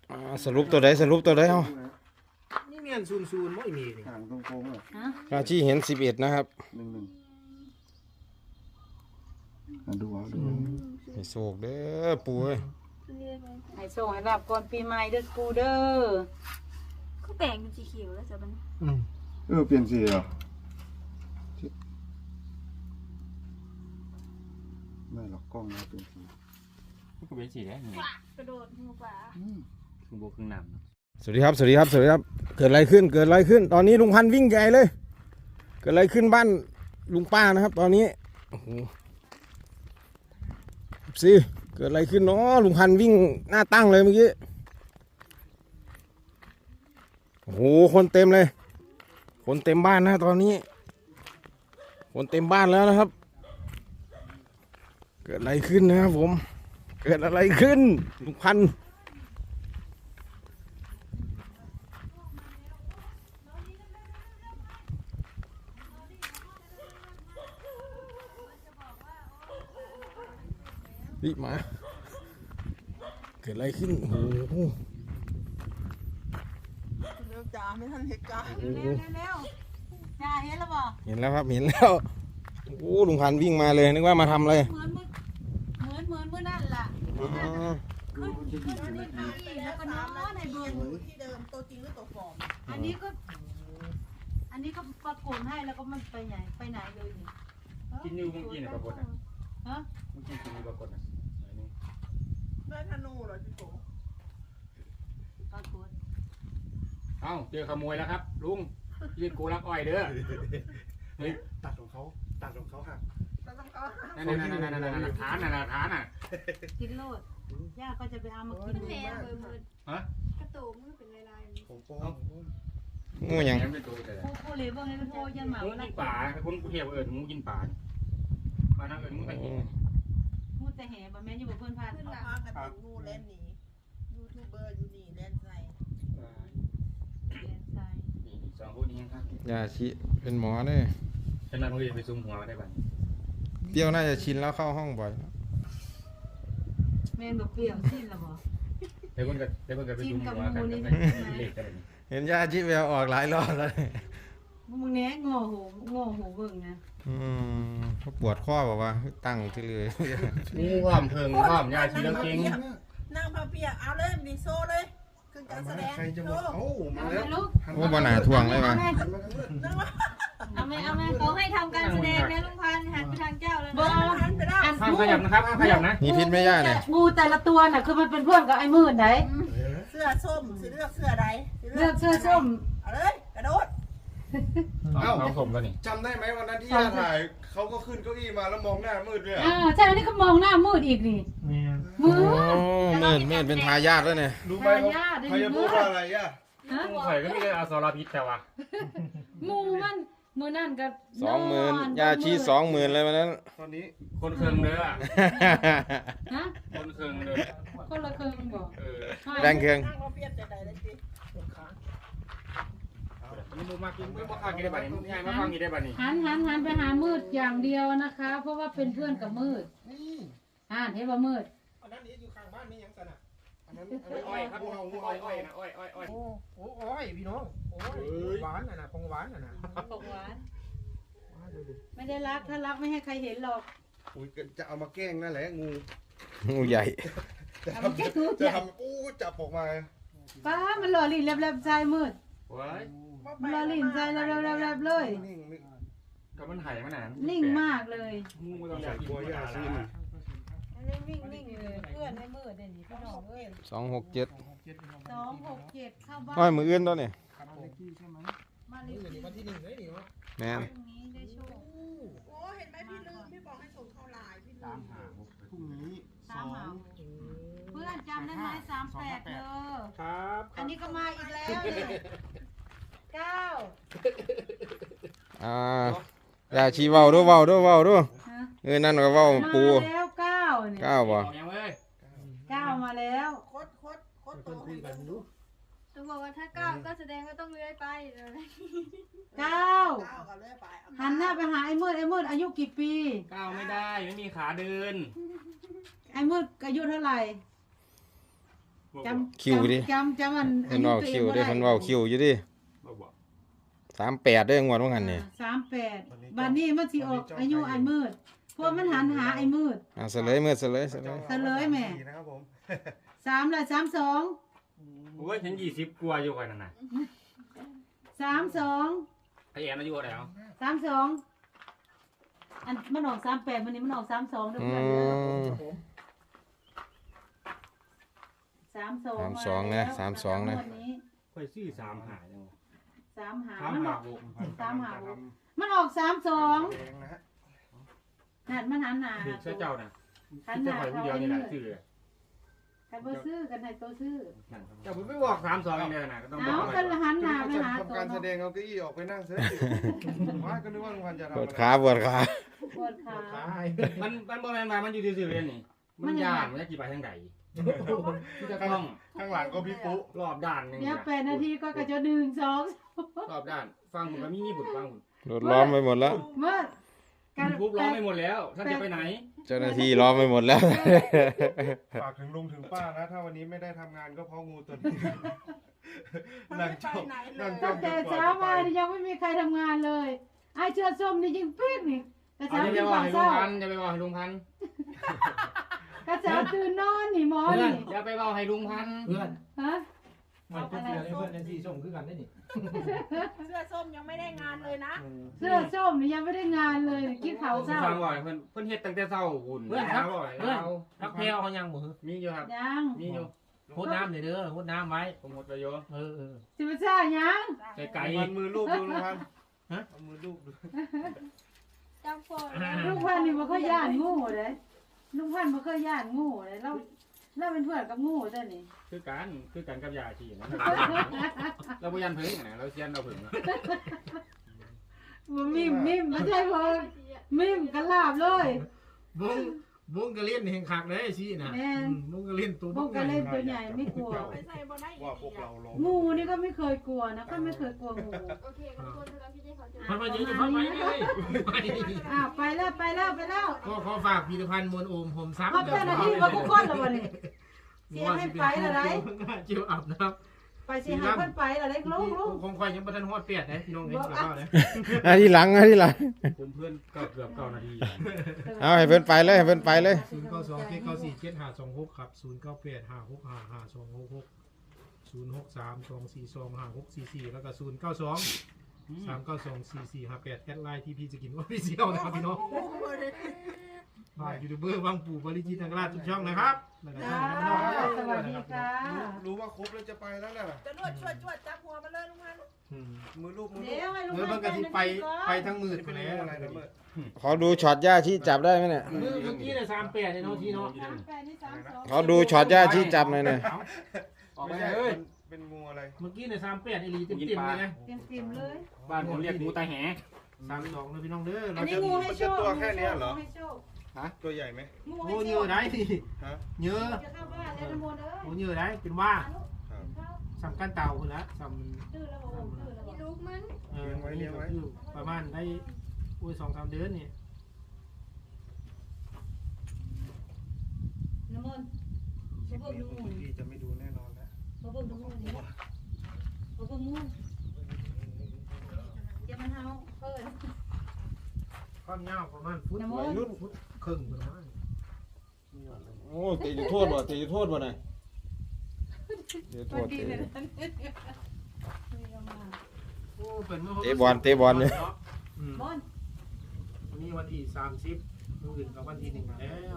สรุปตัวใดเอานี่เมียนซูนไม่มีนี่ห่างตรงโค้งเลยอาชีเห็น11นะครับ 1ดูเอาดูให้โศกเด้อปู่เอ้ยให้ส่งให้รับก่อนปีใหม่เด้อกูเด้อเขาแบ่งเป็นสีเขียวแล้วจ้ะมันเปลี่ยนสีเหรอไม่หรอกกล้องนะเปลี่ยนสีมันก็เป็นสีได้นี่กระโดดหัวป่าครึ่งโบครึ่งน้ำสวัสดีครับเกิดอะไรขึ้นตอนนี้ลุงพันธุ์วิ่งใหญ่เลยเกิดอะไรขึ้นบ้านลุงป้านะครับตอนนี้โอ้โหสิเกิดอะไรขึ้นเนาะลุงพันธุ์วิ่งหน้าตั้งเลยเมื่อกี้โอ้โหคนเต็มเลยคนเต็มบ้านนะตอนนี้คนเต็มบ้านแล้วนะครับเกิดอะไรขึ้นนะครับผมเกิดอะไรขึ้นลุงพันธุ์รีบมาเกิดอะไรขึ้นโอ้โหเร็วจ้าไม่ทันเหตุการณ์เร็วจ้าเห็นแล้วบ่เห็นแล้วครับเห็นแล้วโอ้ลุงพันธุ์วิ่งมาเลยนึกว่ามาทำอะไรเหมือนมื้อนั่นล่ะขึ้นนี่แล้วก็นอนในบึงที่เดิมตัวจริงหรือตัวปลอมอันนี้ก็ปรากฏให้แล้วก็มันไปไหนเลยนี่กินอยู่เมื่อกี้เนี่ยปรากฏนะฮะเมื่อกี้กินอยู่ปรากฏนะไหนนี่ได้ธนูเหรอจิโกปรากฏเอ้าเจอขโมยแล้วครับลุงยืนโกลักอ้อยเด้อเฮ้ยตัดของเขาหักเราต้องเขานั่นฐานน่ะกินโลดย่าก็จะไปเอามากินแม่เบิดฮะกระตูมือเป็นลายๆของโป้งูหยังแหมเป็นตัวแต่ผู้เลี้ยงบ่ให้โทยันหมางูว่ากินป่าคนกูเที่ยวงูกินป่าป่านั่งงูไปกินมูแต่แห่บ่แม่นอยู่บ่เพิ่นพาขึ้นหลังกับติงูเล่นหนียูทูบเบอร์อยู่นี่เล่นใส่นี่สองคนนี้ครับยาชิเป็นหมอเนี่ยขนาดมึงไปซุ่มหัวได้บ้างเปรี้ยวน่าจะชินแล้วเข้าห้องบ่อยแม่นบ่เปรี้ยวสิ้นแล้วบ่เดี๋ยวคนก็ไปซุ่มหัวกันเล็กกันเห็นยาชิแววออกหลายรอบแล้วเนี่ยมึงแหน่โง่หูเบิ่งนะเขาปวดข้อบอกว่าตั้งที่เลยงูห้อมเพิงห้อมยาชีแล้วเก่งนั่งพาเปียกเอาเลยดีโซ่เลยขึ้นการแสดงใครจะโซ่มามาเอาแล้วลูกโอ้บ่หนาถ่วงเลยว่ะนั่งว่าเอาไหมเขาให้ทำการแสดงนะลุงพันธุ์หันไปทางเจ้าแล้วบ่นะหันไปแล้วห้ามขยับนะครับห้ามขยับนะมีพิษไหมย่าเนี่ยงูแต่ละตัวน่ะคือมันเป็นเพื่อนกับไอ้มืดไหนเสื้อส้มสีเลือกเสื้อใดเลือกเสื้อส้มเอาเลยกระโดดเอาสมแล้วนี่จำได้ไหมวันนั้นที่ย่าถ่ายเขาก็ขึ้นเก้าอี้มาแล้วมองหน้ามืดเลยใช่อันนี้ก็มองหน้ามืดอีกนี่มืดเมิดเป็นทายาทแล้วเนี่ยรู้ไหมเขาจะพูดว่าอะไรย่างูไข่ก็ไม่ได้เอาสารพิษแต่ว่างูมันมือนั่นก็ 20,000ยาชี20,000เลยวันนั้นตอนนี้คนเคืองเด้อฮะคนเคืองเด้อคนละครึ่งบ่แบงเครื่องนั่งพาเปียกจะใดเลยสิมึงมากินมึงมาฟังกินได้บ้านี้มึงง่ายมาฟังกินได้บ้านี้หันไปหามืดอย่างเดียวนะคะ เพราะว่าเป็นเพื่อนกับมืดเห็นว่ามืดอันนั้นนี่อยู่ข้างบ้านนี่ยังสนะอันนั้นอ้อยครับอ้อยนะอ้อยโอ้ยพี่น้องโอ้ยหวานน่ะของหวานน่ะของหวานไม่ได้รักถ้ารักไม่ให้ใครเห็นหรอกอุ้ยจะเอามาแกล้งนั่นแหละงูงูใหญ่จะทำอู้จับออกมาป้ามันหล่อลิ้นแลบๆใจมืดว้ายหล่อลิ้นใจแลบๆเลยนิ่งก็มันไห่มาหนานิ่งมากเลยงูต้องใส่กลัวย่าซีนอันนี้นิ่งเลยเพื่อนให้มืดเด่นพี่น้องเอ้ย 267 267เข้าบ้านน้อยมืออื่นตัวนี่มาเลยวันที่1เลยนี่วะแม่นพรุ่งนี้ได้โชคโอ้เห็นไหมพี่ลืมพี่บอกให้ส่งเข้าไลน์พี่ลืมพรุ่งนี้ตามหาเพื่อนจำได้ไหม38เด้อครับอันนี้ก็มาอีกแล้วเนี่ย9 ยาชีเว้าด้วยนั่นก็เว้าปูมาแล้ว9เนี่ย 9บ่ยังเว้ย 9มาแล้วโคตรโตคุยกันดูตัวบอกว่าถ้าก้าวก็แสดงว่าต้องเลื้อยไปเลย 9 ก้าวกันเลยไปหันหน้าไปหาไอ้มืดอายุกี่ปีก้าวไม่ได้ไม่มีขาเดินไอ้มืดอายุเท่าไหร่จำคิวดิจำมันเพิ่นเว้าคิวได้เพิ่นเว้าคิวอยู่ดิบอกบอก 38ได้งวดว่างั้นนี่ 38บัดนี้มันสิออกอายุไอ้มืดเพราะมันหันหาไอ้มืดอ่ะเฉลยมื้อเฉลยเฉลยแม่นะครับผม 3ละ32 โอ้ยฉัน20กว่าอยู่กันนั่นน่ะ 32 ไอแอนอายุเท่าไหร่เอา 32อันมันออก38มันนี้มันออก32เด้ออืเพื่อนเด้อม 32 32นะ32นะค่อยซื้อ3หาจังวะ 35มันออก 356 มันออกแด 32 งนะฮะนั่นมันหันหน้าถึงหาเจ้าน่ะคิดจะปล่อยผู้เดียวนี่แหละซื้อกันบ่ซื้อกันให้ตัวซื้อเจ้าไม่บอก32อย่างเดียวน่ะก็ต้องบอเอากกันละหันหน้าไปหาทำตัวการแสดเนาะงเอาเก้าอี้ออกไปนั่งเสียว่าก็นึกว่าลุงพันธุ์จะทำปวอะดไรขาปวดขาปวดขามันบ่แม่นมามันอยู่ซื่อๆเลยนี่มันย่านมันจะกี่ไปทางใดที่จะต้องข้างหลังก็พี่ปุ๊รอบด้านหนึงเดี๋ยว8นาทีก็กระจะ1 2 รอบด้านฟังผมก็มีญี่ปุ่นฟังผมรถล้อมไปหมดแล้วเมื่อปุ๊บร้องไม่หมดแล้วท่านจะไปไหนเจ้าหน้าที่ล้อมไปหมดแล้วฝากถึงลุงถึงป้านะ ถ้าวันนี้ไม่ได้ทำงานก็เพราะงูตัวนี้นั่งจ้องนั่งจ้อตั้งงแต่เช้ามายังไม่มีใครทำงานเลยไอ้เชือส้มนี่ยิงปิ๊กนี่กระเอาเช้าจะไปตื่นว่าเช้าให้ลุงพันธุ์จะไปว่าให้ลุงพันธุ์กระเช้าตื่นนอนนี่หมอเพื่อนนี่อย่าไปว่าให้ลุงพันธุ์เพื่อนฮะมันเป็นเพื่อนให้เพื่อนในสีส่งคือกันได้นี่เสื้อส้มยังไม่ได้งานเลยนะเสื้อส้มนี่ยังไม่ได้งานเลยกินข้าวเช้าฟังบ่อยเพิ่นเฮ็ดตั้งแต่เช้าหุ่นเพื่อนครับบ่อยเพื่อนเอารักแพลวเขายังบ่ฮึมีอยู่ครับยังมีอยู่โคตรน้ำเลยเด้อโคตรน้ำไว้ผมหมดไปอยู่เออสิบซ่ายังใส่ไก่มันมือลูบดูลุงพันธุ์เอามือลูบดูจำโฟนลุงพันธุ์นี่บ่เคยย่านงูเลยลุงพันธุ์บ่เคยย่านงูเลยเราเป็นเพื่อนกับงูเด้อนี่คือกันกับยาชีนะเราบ่ยันเพิ่งนะเราเซียนเราเพิ่งนะบ่มิมไม่ใช่เพิ่นมิมกันลาบเลยบุ้งกระเล่นแห่งคักเลยสินะบุ้งกระเล่นตัวพวกกันเล่นตัวใหญ่ไม่กลัวไปใส่บ่ได้ว่าพวกเราลงงูนี่ก็ไม่เคยกลัวนะก็ไม่เคยกลัวงูโอเคขอบคุณสำหรับพี่ที่เขาจะพันมาเยอะอยู่พันไปเลยไปแล้วก็ขอฝากผลิตภัณฑ์มวลโอมผมซักเพราะเจ้าหน้าที่ว่าทุกคนละวันนี้เสียให้ไปละไรเจียวอับนะครับไปเสียให้เพิ่นไปละไรลุงคงควายยังบ่ทันฮอดเปียดนะพี่น้องเด้อแล้วนะอันที่หลังผมเพื่อนก็เกือบ9นาทีเอาให้เพิ่นไปเลยให้เพิ่นไปเลย 092 994 7526ครับ098 565 5266 063 242 5644แล้วก็092 3924458แอดไลน์ที่พี่จะกินว่าพี่เซียวนะครับพี่น้องฝากยูทูบเบอร์บางปู่บริจิตรนาราชทุกช่องนะครับแล้วก็จ้าช่องน้องสวัสดีค่ะรู้ว่าครบแล้วจะไปแล้วน่ะจะนวดชวดจับหัวมาเลยลุงพันธุ์มือลูบมือลูเดี๋ยวบให้ลุงเมื่อมันก็สิไปทั้งมืดนี่ไปเป็นแล้วอะไรนะเมื่อขอดูช็อตย่าที่จับได้ไหมเนี่ยเมื่อกี้เนี่ย38เนี่ยเนาะที่เนาะขอดูช็อตย่าที่จับหน่อยเนี่ยออกไปไม่ใช่เลยเป็นงูอะไรเมื่อกี้เนี่ย38อีหลีเต็มๆเลยนะเต็มเลยบ้านผมเรียกงูตาแห 32เลยพี่น้องเด้ออันนี้งูให้โชคตัวใหญ่ไหมงูโอ้ให้เยโชอะคได้ดิฮะเยอะจะเข้าบ้านแล้วน้ำมนต์เอ้ยโอ้เยอะได้เป็นว่าครับสำคัญเต่าคนละสตื้อแล้วบ่ตื้อแล้วบ่ลูกมันำประมาณได้2-3 เดือนนี่น้ำมนต์คลิปนี้คุณพี่จะไม่ดูแน่นอนนะบ่เบิ่งดูงูนี่บ่เบิ่งงูอย่ามันเฮาเพิ่นความยาวประมาณฟุตน้ำมนต์ฟุตครึ่งประมาณโอ้ตีจุดโทษบ่ตีจุดโทษบ่น่ะเดี๋ยวโทษตีโอ้เป็นเมื่อเตะบอลเนี่ยบอลวันนี้วันที่30มื้ออื่นกับวันที่1แล้ว